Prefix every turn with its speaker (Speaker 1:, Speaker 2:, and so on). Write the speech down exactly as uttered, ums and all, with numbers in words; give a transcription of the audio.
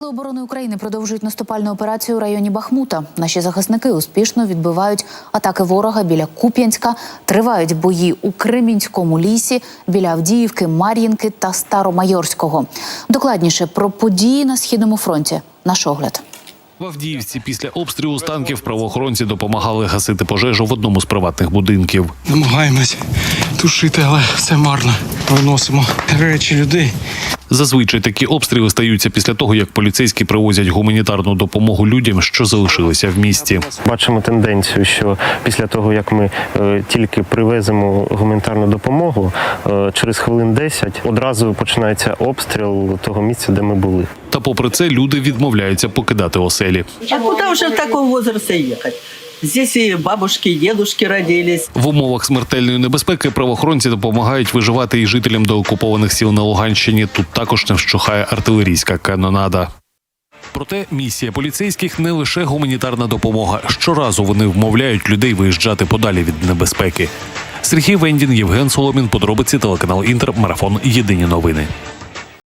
Speaker 1: Сили оборони України продовжують наступальну операцію у районі Бахмута. Наші захисники успішно відбивають атаки ворога біля Куп'янська, тривають бої у Кремінському лісі, біля Авдіївки, Мар'їнки та Старомайорського. Докладніше про події на Східному фронті. Наш огляд.
Speaker 2: В Авдіївці після обстрілу з танків правоохоронці допомагали гасити пожежу в одному з приватних будинків.
Speaker 3: Намагаємось тушити, але все марно. Виносимо речі людей.
Speaker 2: Зазвичай такі обстріли стаються після того, як поліцейські привозять гуманітарну допомогу людям, що залишилися в місті.
Speaker 4: Бачимо тенденцію, що після того, як ми е, тільки привеземо гуманітарну допомогу, е, через хвилин десять одразу починається обстріл того місця, де ми були.
Speaker 2: Та попри це люди відмовляються покидати оселі.
Speaker 5: А куда уже в таком возрасте ехать? Здесь и бабушки, и дедушки родились.
Speaker 2: В умовах смертельної небезпеки правоохоронці допомагають виживати і жителям деокупованих сіл на Луганщині. Тут також не вщухає артилерійська канонада. Проте місія поліцейських не лише гуманітарна допомога. Щоразу вони вмовляють людей виїжджати подалі від небезпеки. Сергій Вендін, Євген Соломін, подробиці, телеканал Інтер, марафон «Єдині новини».